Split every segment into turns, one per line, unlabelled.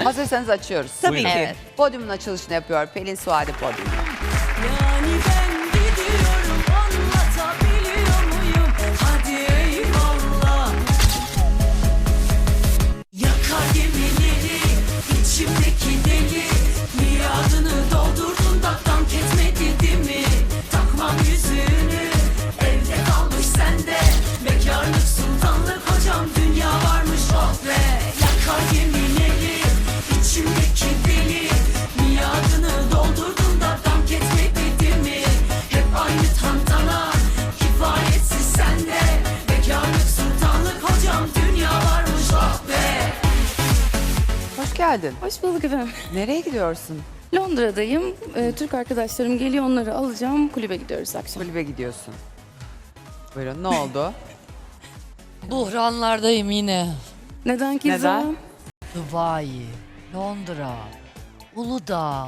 Hazırsanız açıyoruz.
Tabii ki.
Evet. Podyumun açılışını yapıyor Pelin Suadi podyumda.
Yani ben gidiyorum, anlatabiliyor muyum? Hadi eyvallah. Yakar gemileri içimdeki deli, miadını doldurdun da dank etmedi değil mi? Takmam yüzüğünü, evde kalmış sende. Bekarlık sultanlık hocam, dünya varmış oh be. Yakar gemileri içimdeki deli, miadını doldurdun da dank etmedi değil mi? Hep aynı tantana, kifayetsiz sende. Bekarlık sultanlık hocam, dünya varmış oh be.
Hoş geldin.
Hoş bulduk efendim.
Nereye gidiyorsun?
Londra'dayım. Türk arkadaşlarım geliyor, onları alacağım. Kulübe gidiyoruz akşam.
Kulübe gidiyorsun. Buyurun, ne oldu?
Buhranlardayım yine.
Neden ki?
Neden?
Dubai, Londra, Uludağ.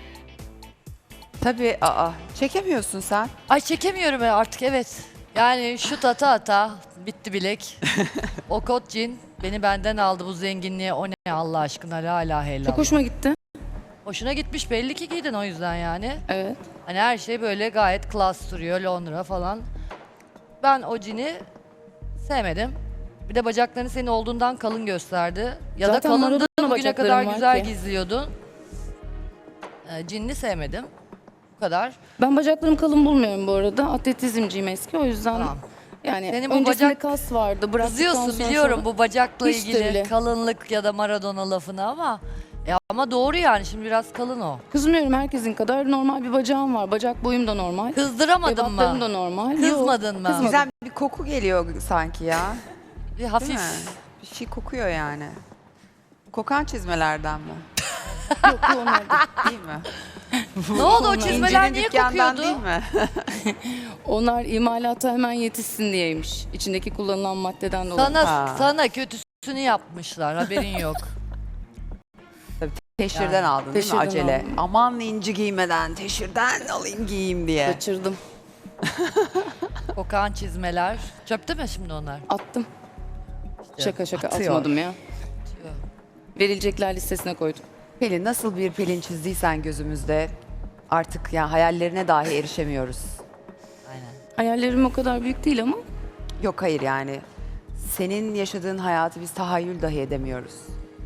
Tabii, çekemiyorsun sen.
Ay çekemiyorum ben artık, evet. Yani şut ata bitti bilek. O kot cin beni benden aldı bu zenginliğe. O ne Allah aşkına, hala helal.
Çok hoşuma gitti.
Hoşuna gitmiş, belli ki giydin o yüzden yani.
Evet.
Hani her şey böyle gayet klas duruyor, Londra falan. Ben o cini sevmedim. Bir de bacaklarını senin olduğundan kalın gösterdi. Ya
Zaten
da kalındı,
Maradona
bugüne
bacaklarım
kadar
var
güzel
ki.
gizliyordun. Cinini sevmedim. Bu kadar.
Ben bacaklarım kalın bulmuyorum bu arada. Atletizmciyim eski, o yüzden
Tamam.
yani
Senin bu
öncesinde
bacak-
kas vardı. Bıraktıktan
Kızıyorsun
sonra
biliyorum
sonra-
bu bacakla
Hiç de
ilgili
bile.
kalınlık ya da Maradona lafını ama doğru yani, şimdi biraz kalın o.
Kızmıyorum, herkesin kadar normal bir bacağım var. Bacak boyum da normal.
Kızdıramadın
Ebatlarım da
mı?
normal.
Kızmadın mı?
Kızmadım.
Güzel bir koku geliyor sanki ya.
Bir
Değil
hafif.
mi? Bir şey kokuyor yani. Kokan çizmelerden mi?
Yok, bu onlar değil.
Değil mi?
Ne oldu o çizmeler
İnci'nin
niye
dükkanından
kokuyordu?
değil mi?
Onlar imalata hemen yetişsin diyeymiş. İçindeki kullanılan maddeden dolayı.
Ha.
Sana kötüsünü yapmışlar, haberin yok.
Teşhirden
Yani,
aldın değil mi
teşhirden
acele?
aldım.
Aman inci giymeden teşhirden alayım giyeyim diye.
Kaçırdım.
Kokan çizmeler. Çöpte mi şimdi onlar?
Attım. Şaka
atıyor.
atmadım ya. Verilecekler listesine koydum.
Pelin, nasıl bir Pelin çizdiysen gözümüzde artık ya hayallerine dahi erişemiyoruz.
Aynen.
Hayallerim o kadar büyük değil ama
Yok hayır yani senin yaşadığın hayatı biz tahayyül dahi edemiyoruz.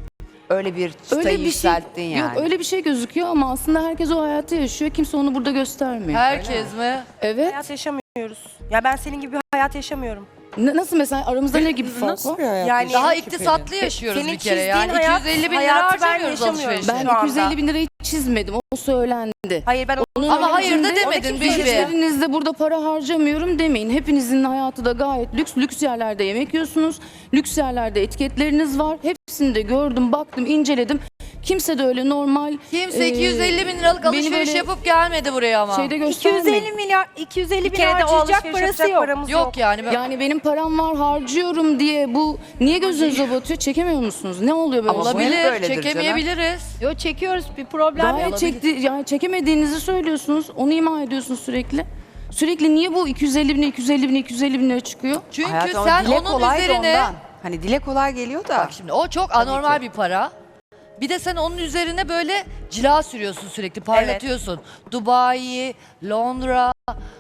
Öyle bir çıtayı
öyle bir şey
yükselttin yani.
yok, öyle bir şey gözüküyor ama aslında herkes o hayatı yaşıyor. Kimse onu burada göstermiyor.
Herkes mi?
Evet.
Hayat yaşamıyoruz. Ya ben senin gibi bir hayat yaşamıyorum.
Nasıl mesela aramızda ne gibi fark var?
Yani
Daha iktisatlı yaşıyoruz
Senin
bir kere
çizdiğin
yani.
hayat-
250 bin lira
hayatı ben
harcamıyoruz
yaşamıyorum.
alışverişe.
Ben
Şu anda.
250 bin lirayı çizmedim. O söylendi.
Hayır ben
Onun
Ama hayır da
haricinde-
demedin
Onu
Bilge.
Hiçbirinizde burada para harcamıyorum demeyin. Hepinizin hayatı da gayet lüks. Lüks yerlerde yemek yiyorsunuz. Lüks yerlerde etiketleriniz var. Hepsini de gördüm, baktım, inceledim. Kimse de öyle normal...
Kimse
e,
250 bin liralık
beni
alışveriş
böyle
yapıp gelmedi buraya ama.
Şeyde göstermeyin.
250 bin kere de o harcayacak alışveriş parası yapacak yok. paramız
Yok yani.
Yani benim param var, harcıyorum diye bu niye gözünüze batıyor? Çekemiyor musunuz? Ne oluyor böyle?
Ama
şey?
bu hep
Olabilir,
böyledir canım.
çekemeyebiliriz.
Yo çekiyoruz bir problem yok.
Gayet yani çekemediğinizi söylüyorsunuz. Onu ima ediyorsunuz sürekli. Sürekli niye bu 250 bin, 250 bin, 250 bin lira çıkıyor?
Çünkü
Hayatım,
sen
dile
onun
kolay da
üzerine...
ondan. Hani dile kolay geliyor da.
Bak şimdi o çok anormal bir para. Bir de sen onun üzerine böyle cila sürüyorsun sürekli, parlatıyorsun. Dubai, Londra,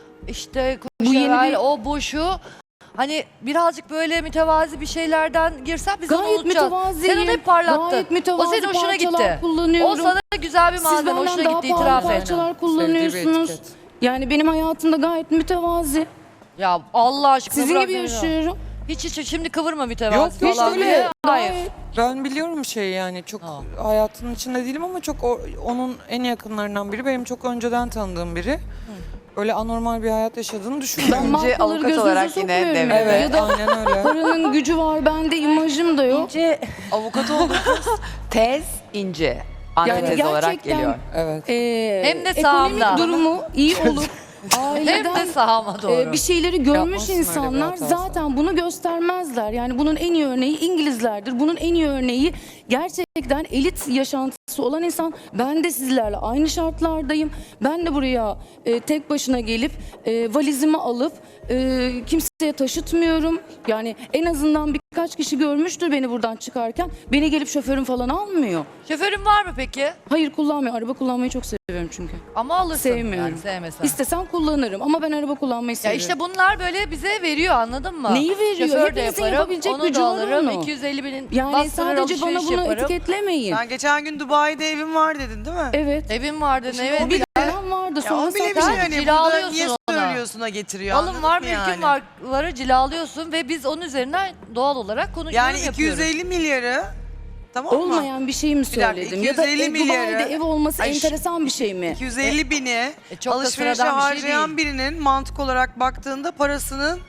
işte
Bu yeni
Coachella,
bir-
o bu şu. Hani birazcık böyle mütevazi bir şeylerden girsen biz onu
Gayet
unutacağız.
mütevaziyim.
Sen onu hep parlattın.
Gayet
O
mütevazi
senin hoşuna
parçalar
gitti.
kullanıyorum.
O sana güzel bir
Siz
malzeme,
benden
hoşuna
daha
gitti,
pahalı
itiraf et.
parçalar kullanıyorsunuz. Yani benim hayatımda gayet mütevazi.
Ya Allah aşkına
Sizin
bırak
gibi
beni.
yaşıyorum.
Hiç şimdi kıvırma mütevazi
Yok, hiç
falan
öyle.
diye. Hayır.
Gayet.
Ben biliyorum şeyi yani çok
Ha.
hayatının içinde değilim ama çok onun en yakınlarından biri. Benim çok önceden tanıdığım biri. Öyle anormal bir hayat yaşadığını düşünmüyorum.
Ben
İnce
markaları
avukat
gözünüze
olarak yine
sokmuyorum
devrede.
ya.
Evet
Ya da
aynen öyle.
paranın gücü var bende, imajım da yok.
İnce
Avukat oldum.
Tez ince. Antitez olarak
gerçekten-
geliyor.
Evet.
Hem de
Ekonomik
sağımda.
durumu iyi olup
Hem
aileden
de sahama doğru.
bir şeyleri görmüş
Yapmasın öyle bir
insanlar
hatası.
zaten bunu göstermezler. Yani bunun en iyi örneği İngilizlerdir. Bunun en iyi örneği gerçekten elit yaşantısı olan insan. Ben de sizlerle aynı şartlardayım. Ben de buraya tek başına gelip valizimi alıp kimseye taşıtmıyorum. Yani en azından bir birkaç kişi görmüştür beni buradan çıkarken. Beni gelip şoförüm falan almıyor.
Şoförün var mı peki?
Hayır kullanmıyor. Araba kullanmayı çok seviyorum çünkü.
Ama alırsın.
Sevmiyorum.
Yani sevmesen.
İstesem kullanırım ama ben araba kullanmayı
Ya
seviyorum.
işte bunlar böyle bize veriyor, anladın mı?
Neyi veriyor?
Şoför de
Hepinizin
yaparım,
yapabilecek
onu
gücü
da
var
alırım.
onu.
250 binin
Yani
bastırır,
sadece bana
alışveriş
bunu
yaparım.
etiketlemeyin.
Ben geçen gün Dubai'de evim var dedin değil mi?
Evet.
Evin vardı, evet.
o bile-
Param vardı
Ya
sonra
o bile bir şey
sattım.
hani burada
Cilalıyorsun
niye
ona.
söylüyorsun'a getiriyor
Alım
anladın
var,
mı
mülkün
yani?
var, varı cilalıyorsun ve biz onun üzerinden doğal olarak konuşuyoruz.
Yani 250 milyarı tamam mı?
Olmayan bir şey mi
dakika,
söyledim? Ya da
250 milyarı-
Dubai'de ev olması
Ay,
enteresan bir şey mi?
250 bini
çok da
alışverişe
sıradan bir şey
harcayan birinin mantık olarak baktığında parasının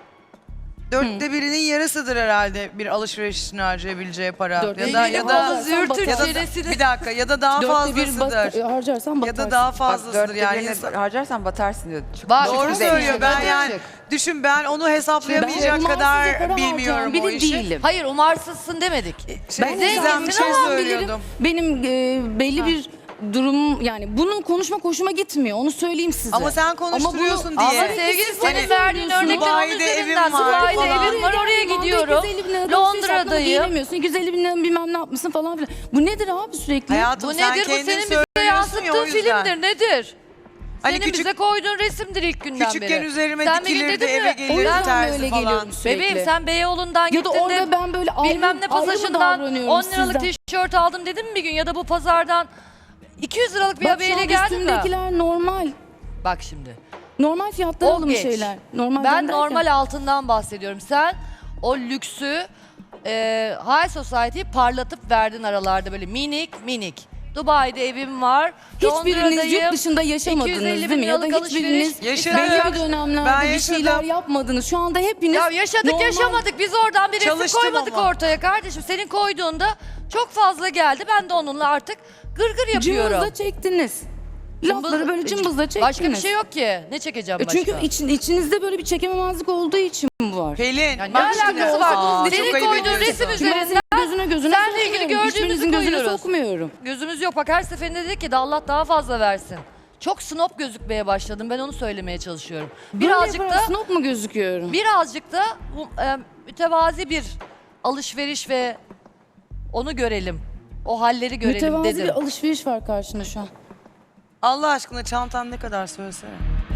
4'te birinin yarısıdır herhalde bir alışveriş için harcayabileceği para.
Dörtte
Ya da
biri
ya da
harcarsan
zürtür
ya da
çenesini-
bir dakika ya da daha
Dörtte bir
fazlasıdır.
harcarsan
Ya
batarsın.
da daha
Bak
fazlasıdır
dörtte
yani.
birini
insan-
harcarsan batarsın diyor. Çık-
Bak,
çık
Doğru
güzel
söylüyor.
işte.
Ben
Çık.
yani düşün ben onu hesaplayamayacak
Ben
kadar
umarsızca para
bilmiyorum
harcayan
o
biri
işi.
değilim.
Hayır, umarsızsın demedik.
Ben
Gizem bir şey
ama
söylüyordum.
Benim belli bir durum yani bunu konuşmak hoşuma gitmiyor. Onu söyleyeyim size.
Ama sen konuşturuyorsun
Ama
diye.
Ama sevgili
siz
senin
bana
verdiğin
söylüyorsunuz.
örnekler onun
Dubai'de evim
üzerinden.
var
Dubai'de
falan.
evim var, oraya gidiyorum.
250 bin lira
Londra'dayım.
giyinemiyorsun. 250 bin lira bilmem ne yapmışsın falan filan. Bu nedir abi sürekli?
Hayatım
Bu
sen
nedir? Bu
kendin
senin bize
söylüyorsun ya
yansıttığın
o yüzden.
filmdir. Nedir?
Hani
Senin
küçük-
bize koyduğun resimdir ilk günden beri.
Küçükken üzerime
Sen bir gün
dikilirdi,
dedin
eve
mi?
gelirdi
O yüzden
terzi
böyle
falan.
geliyorum sürekli.
Bebeğim sen Beyoğlu'ndan
Ya
gittin
da orada
de
ben böyle ayrı,
bilmem ne
ayrı mı
pasajından
davranıyorum
10 liralık
sizden?
tişört aldım dedin mi bir gün? Ya da bu pazardan 200 liralık bir
Bak şu
haberle
anda
geldin mi?
üstümdekiler normal.
Bak şimdi.
Normal fiyatlar
O
alınmış
geç.
şeyler. Normal
Ben normal altından bahsediyorum. Sen o lüksü High Society'yi parlatıp verdin aralarda böyle minik minik. Dubai'de evim var.
Hiçbiriniz
Londra'dayım,
yurt dışında yaşamadınız
250
değil mi? Ya da
bin liralık
hiçbiriniz
alışveriş.
Yaşadım.
belli bir dönemlerde
Ben
bir şeyler
yaşadım.
yapmadınız. Şu anda hepiniz
Ya yaşadık
normal-
yaşamadık. Biz oradan bir resim
Çalıştım
koymadık
ama.
ortaya kardeşim. Senin koyduğunda çok fazla geldi. Ben de onunla artık gırgır yapıyorum.
Cımbızla çektiniz. Lafları böyle cımbızla çektiniz.
Başka bir şey yok ki. Ne çekeceğim başka?
Çünkü içinizde böyle bir çekememezlik olduğu için bu var.
Pelin.
Ya ne
bak şimdi
alakası var?
olsa-
Senin
çok ayıp
koyduğun
ediyorsun.
resim
Çünkü ben
üzerinden
senin gözüne
seninle ilgili
sokmuyorum.
gördüğümüzü
Hiçbirinizin gözüne
koyuyoruz.
sokmuyorum.
Gözümüz yok. Bak her seferinde dedi ki de Allah daha fazla versin. Çok snob gözükmeye başladım. Ben onu söylemeye çalışıyorum. Birazcık da
Snob mu gözüküyorum?
birazcık da mütevazi bir alışveriş ve onu görelim. O halleri görelim
Mütevazi
dedim.
bir alışveriş var karşında şu an.
Allah aşkına çantan ne kadar söylesene.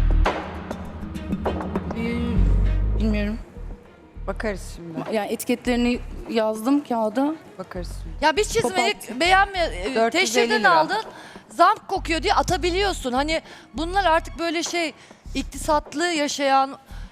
Bilmiyorum.
Bakarız şimdi.
Yani etiketlerini yazdım kağıda.
Bakarız şimdi.
Ya biz çizmedik, beğenme,
450
teşhirden
lira.
aldın, zamk kokuyor diye atabiliyorsun. Hani bunlar artık böyle iktisatlı yaşayan,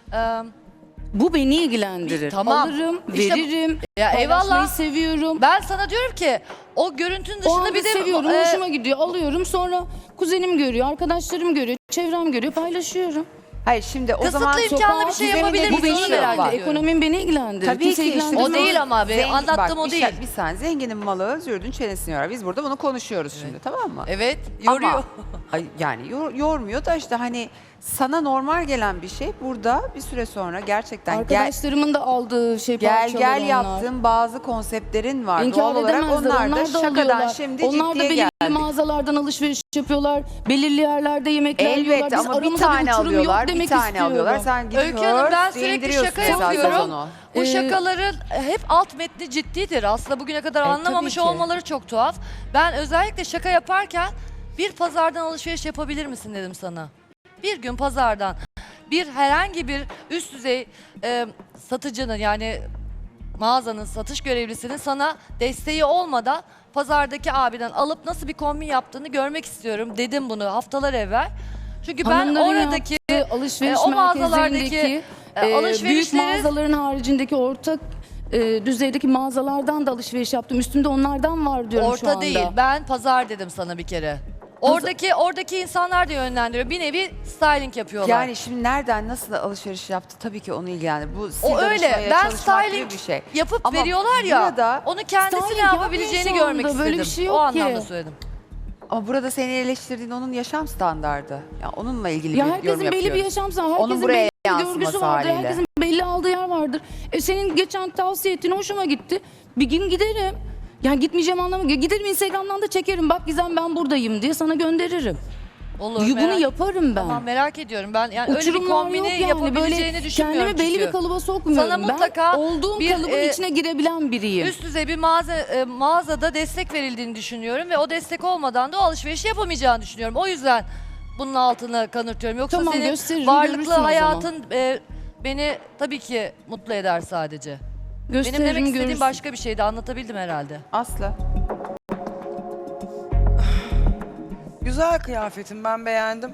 Bu beni ilgilendirir.
Tamam.
Alırım,
İşte-
veririm.
Ya
paylaşmayı
eyvallah.
seviyorum.
ben sana diyorum ki o görüntünün
O
dışında
anda
bir de
seviyorum, hoşuma gidiyor. Alıyorum sonra kuzenim görüyor, arkadaşlarım görüyor, çevrem görüyor, paylaşıyorum.
Hayır şimdi o
Kısıtlı
zaman
imkanlı bir şey
Gizem'in
yapabilir
dediği
Bu beni
misin?
bir şey
Merak
var.
ediyorum.
Ekonomim beni ilgilendirir.
Tabii
Kimse
ki işte.
ilgilendirmez.
O değil ama be,
Zengin-
anlattığım
bak,
o değil.
Bir saniye zenginin malı zürdün çenesini yorar. Biz burada bunu konuşuyoruz şimdi tamam mı?
Evet, yoruyor.
Ama ay, yani yormuyor da işte hani sana normal gelen bir şey burada bir süre sonra gerçekten
Arkadaşlarımın da aldığı şey
gel
parçalar onlar.
yaptığın bazı konseptlerin var.
İnkar
Doğal olarak
edemezler.
onlar da şakadan
alıyorlar.
şimdi
Onlar da
ciddiye
belirli
geldik.
mağazalardan alışveriş yapıyorlar. Belirli yerlerde yemekler yiyorlar.
Elbette
Biz
ama bir
aramızda
tane
uçurum yok
alıyorlar, bir
demek
tane
istiyorum.
alıyorlar. Sen gidip
Öykü Hanım ben
hörs diye
sürekli
indiriyorsun
şaka
esas
yapıyorum.
onu.
Bu şakaların hep alt metni ciddidir. Aslında bugüne kadar anlamamış
tabii ki.
olmaları çok tuhaf. Ben özellikle şaka yaparken bir pazardan alışveriş yapabilir misin dedim sana. Bir gün pazardan herhangi bir üst düzey satıcının yani mağazanın satış görevlisinin sana desteği olmadan pazardaki abiden alıp nasıl bir kombin yaptığını görmek istiyorum dedim bunu haftalar evvel. Çünkü ben
Hanımların
oradaki
yaptığı alışveriş
o mağazalardaki
merkezlerindeki büyük
alışverişleri
mağazaların haricindeki ortak düzeydeki mağazalardan da alışveriş yaptım. Üstümde onlardan var diyorum şu
orta
anda.
değil. Ben pazar dedim sana bir kere. Oradaki insanlar da yönlendiriyor. Bir nevi styling yapıyorlar.
Yani şimdi nereden nasıl alışveriş yaptı tabii ki onu ilgilendirir. Bu stil
o öyle.
danışmaya
Ben
çalışmak gibi
styling
bir şey.
yapıp
Ama
veriyorlar ya.
burada-
Onu kendisi
Styling
ne yapabileceğini
yapmıyor şu
görmek
anda,
istedim.
böyle bir şey
o
yok ki.
anlamda söyledim.
Ama burada seni eleştirdiğin onun yaşam standardı. Yani onunla ilgili
Ya
bir yorum
herkesin belli
yapıyoruz.
bir yaşam standartı, herkesin
Onun buraya
belli bir
yansıması
görgüsü vardır,
haliyle.
herkesin belli aldığı yer vardır. Senin geçen tavsiye ettiğin hoşuma gitti. Bir gün giderim. Yani gitmeyeceğim anlamı. Giderim Instagram'dan da çekerim. Bak Gizem ben buradayım diye sana gönderirim.
Olur.
Bunu yaparım ben.
Tamam, merak ediyorum. Ben yani öyle bir
Uçurumlar
kombini
yok yani.
yapabileceğini
Böyle
düşünmüyorum
kendimi belli
çünkü.
bir kalıba sokmuyorum.
Sana mutlaka
ben olduğum
bir,
kalıbın içine girebilen biriyim.
Üst düzey bir mağazada destek verildiğini düşünüyorum ve o destek olmadan da o alışverişi yapamayacağını düşünüyorum. O yüzden bunun altını kanırtıyorum. Yoksa
Tamam,
senin
gösteririm, görürsün
varlıklı
o zaman.
hayatın beni tabii ki mutlu eder sadece. Benim
Gösteririm,
demek istediğim
görürsün.
başka bir şeydi. Anlatabildim herhalde.
Aslı.
Güzel kıyafetim, ben beğendim.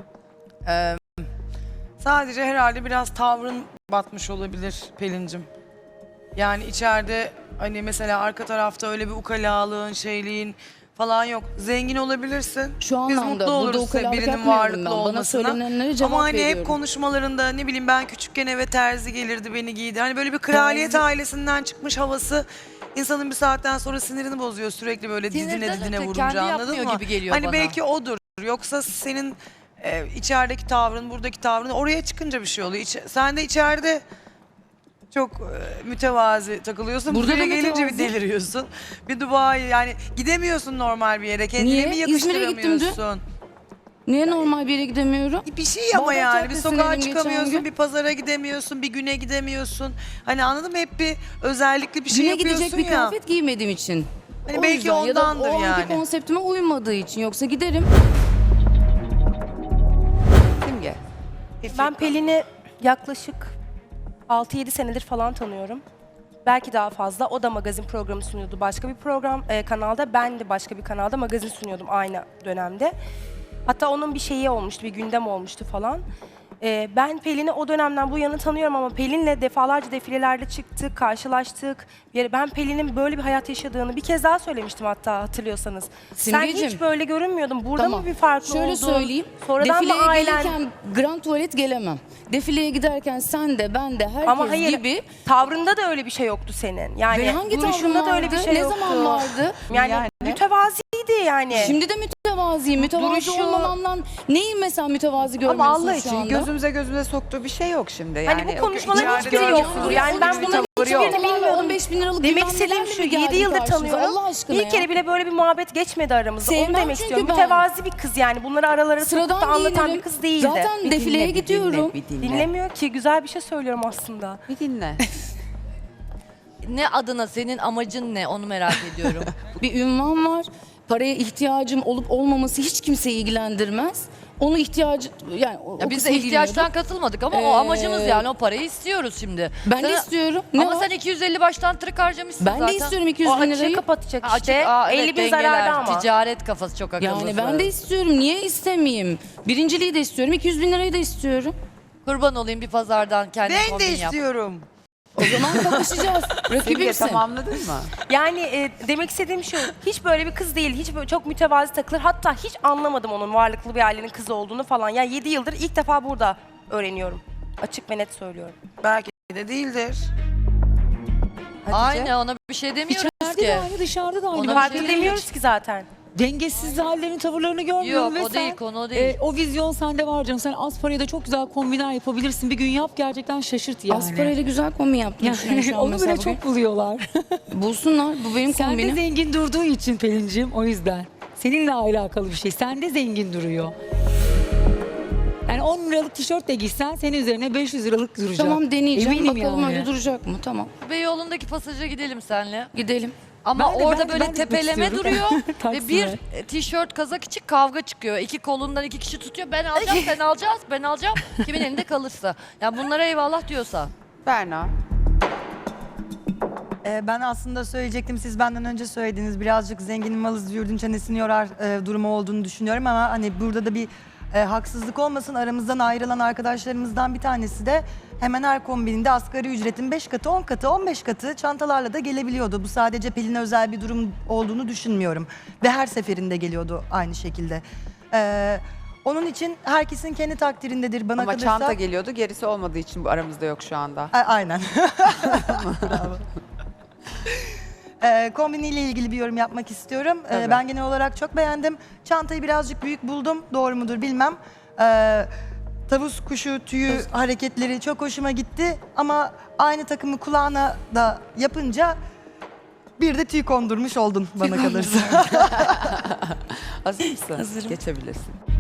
Sadece herhalde biraz tavrın batmış olabilir Pelin'cim. Yani içeride hani mesela arka tarafta öyle bir ukalalığın, şeyliğin falan yok. Zengin olabilirsin.
Şu
Biz
anlamda
mutlu
burada
oluruz
ukalalık
birinin
yapmıyorum
varlıklı
ben. Bana
olmasına.
söylenenlere cevap
Ama hani
veriyorum.
hep konuşmalarında ne bileyim ben küçükken eve terzi gelirdi beni giydi. Hani böyle bir kraliyet ailesinden çıkmış havası insanın bir saatten sonra sinirini bozuyor sürekli böyle
Sinirden
dizine
öte
vurunca,
kendi
anladın
yapmıyor
mı?
gibi geliyor
Hani
bana.
belki odur. Yoksa senin içerideki tavrın, buradaki tavrın oraya çıkınca bir şey oluyor. Sen de içeride çok mütevazi takılıyorsun.
Burada
Buraya
da
gelince bir
mütevazi.
deliriyorsun. Bir Dubai yani gidemiyorsun normal bir yere. Kendine
Niye?
mi
İzmir'e gittim dün.
yakıştıramıyorsun?
Niye normal bir yere gidemiyorum?
Bir şey ama
Bağdat
yani bir
Caddesi'ne
sokağa
indim geçen
çıkamıyorsun,
gün.
bir pazara gidemiyorsun, bir güne gidemiyorsun. Hani anladın mı? Hep bir özellikli bir şey
Güne
yapıyorsun
gidecek bir
ya.
kıyafet giymediğim için.
Hani
O
belki
yüzden ya da
ondandır
o anki
yani.
konseptime uymadığı için. Yoksa giderim.
Simge.
Ben Pelin'i yaklaşık 6-7 senedir falan tanıyorum. Belki daha fazla. O da magazin programı sunuyordu başka bir program kanalda. Ben de başka bir kanalda magazin sunuyordum aynı dönemde. Hatta onun bir şeyi olmuştu, bir gündem olmuştu falan. Ben Pelin'i o dönemden bu yana tanıyorum ama Pelin'le defalarca defilelerde çıktık, karşılaştık. Ben Pelin'in böyle bir hayat yaşadığını bir kez daha söylemiştim hatta hatırlıyorsanız. Sen
Simgeciğim.
hiç böyle görünmüyordun. Burada
Tamam.
mı bir farklı
Şöyle
oldun?
söyleyeyim.
Sonradan mı
Defileye
ailen...
gelirken Grand Tuvalet gelemem. Defileye giderken sen de ben de herkes
Ama hayır,
gibi.
tavrında da öyle bir şey yoktu senin. Yani
Ve hangi
duruşunda
tavrım
da öyle bir
vardı?
şey
Ne
yoktu.
zaman vardı?
Yani, mütevaziydi yani.
Şimdi de mütevaziyim. Mütevazi
Duruşu-
olmamamdan neyi mesela mütevazi görmüyorsun
Ama Allah
şu
için
anda?
gözümüze soktuğu bir şey yok şimdi. Yani
Hani bu konuşmaların
içeride
hiçbiri
gördüğümüz
yoktur.
bir
Yani ben
tavır
bunların
yok.
hiçbirini bilmiyordum.
15 bin liralık
Demek
bilmem
istediğim
nelerle
şu,
mi
7
geldi
yıldır
karşınıza?
tanıyorum.
Allah aşkına
Bir
ya.
kere bile böyle bir muhabbet geçmedi aramızda. Onu
Sevmem
demek
çünkü
istiyorum.
ben.
Mütevazi bir kız yani. Bunları aralara sokup
Sıradan
da anlatan
giyinirim.
bir kız değildi.
Zaten defileye gidiyorum.
Bir dinle.
Dinlemiyor ki. Güzel bir şey söylüyorum aslında.
Bir dinle.
Ne adına, senin amacın ne onu merak ediyorum.
Bir ünvan var. Paraya ihtiyacım olup olmaması hiç kimseyi ilgilendirmez. Onu ihtiyacı yani o
Ya biz
kısmı
de ihtiyaçtan
ilgileniyordu.
katılmadık ama o amacımız yani o parayı istiyoruz şimdi.
Ben de istiyorum. Ne
Ama
var?
sen 250 baştan tırık harcamışsın
Ben
zaten.
de istiyorum 200
O
bin
açığı
lirayı.
kapatacak
Ha,
işte.
evet,
50 bin
dengeler,
zararda ama.
Ticaret kafası çok akıllısı.
Yani ben de istiyorum. Niye istemeyeyim? Birinciliği de istiyorum. 200 bin lirayı da istiyorum.
Kurban olayım bir pazardan kendi
Ben
kombin
de
yap.
istiyorum.
O zaman kapışacağız.
Simge
Rakibimsin.
tamamladın mı?
Yani demek istediğim şu, hiç böyle bir kız değil, hiç böyle çok mütevazi takılır. Hatta hiç anlamadım onun varlıklı bir ailenin kızı olduğunu falan. Yani 7 yıldır ilk defa burada öğreniyorum. Açık ve net söylüyorum.
Belki de değildir.
Aynı ona bir şey demiyoruz
İçeride
ki.
de aynı, dışarıda da aynı.
Ona
Farklı
bir şey
demiyoruz ki zaten.
Dengesiz hallerini, tavırlarını görmüyorum
Yok
ve
o değil
sen,
konu o değil.
o vizyon sende var canım. Sen az paraya da çok güzel kombinler yapabilirsin. Bir gün yap, gerçekten şaşırt yani.
Az parayla güzel kombin yaptım düşünüyorum şu an
Onu
mesela
bile
bugün.
çok buluyorlar.
Bulsunlar. Bu benim
Sen de
kombinim.
zengin durduğu için Pelin'cim, o yüzden. Seninle alakalı bir şey. Sen de zengin duruyor. Yani 10 liralık tişört de giysen senin üzerine 500 liralık duracak.
Tamam deneyeceğim.
Eminim
Bakalım
yani.
öyle duracak mı? Tamam.
Beyoğlu'ndaki pasaja gidelim senle.
Gidelim.
Ama
Ben de-
orada
ben de
böyle
gitmek
tepeleme
istiyorum.
duruyor ve
Taksim'e.
bir tişört kazak için kavga çıkıyor. İki kolundan iki kişi tutuyor. Ben alacağım, sen alacağız, ben alacağım. Kimin elinde kalırsa. Yani bunlara eyvallah diyorsa.
Berna.
Ben aslında söyleyecektim, siz benden önce söylediniz. Birazcık zenginin malı züğürdün çenesini yorar durumu olduğunu düşünüyorum ama hani burada da bir haksızlık olmasın. Aramızdan ayrılan arkadaşlarımızdan bir tanesi de hemen her kombininde asgari ücretin 5 katı, 10 katı, 15 katı çantalarla da gelebiliyordu. Bu sadece Pelin'e özel bir durum olduğunu düşünmüyorum. Ve her seferinde geliyordu aynı şekilde. Onun için herkesin kendi takdirindedir bana
Ama
kalırsa.
çanta geliyordu. Gerisi olmadığı için bu aramızda yok şu anda.
Aynen. Bravo. Kombiniyle ilgili bir yorum yapmak istiyorum.
Tabii.
Ben genel olarak çok beğendim. Çantayı birazcık büyük buldum. Doğru mudur bilmem. Tavus kuşu tüyü hareketleri çok hoşuma gitti. Ama aynı takımı kulağına da yapınca bir de tüy kondurmuş oldun bana kalırsa.
Hazır mısın?
Hazırım.
Geçebilirsin.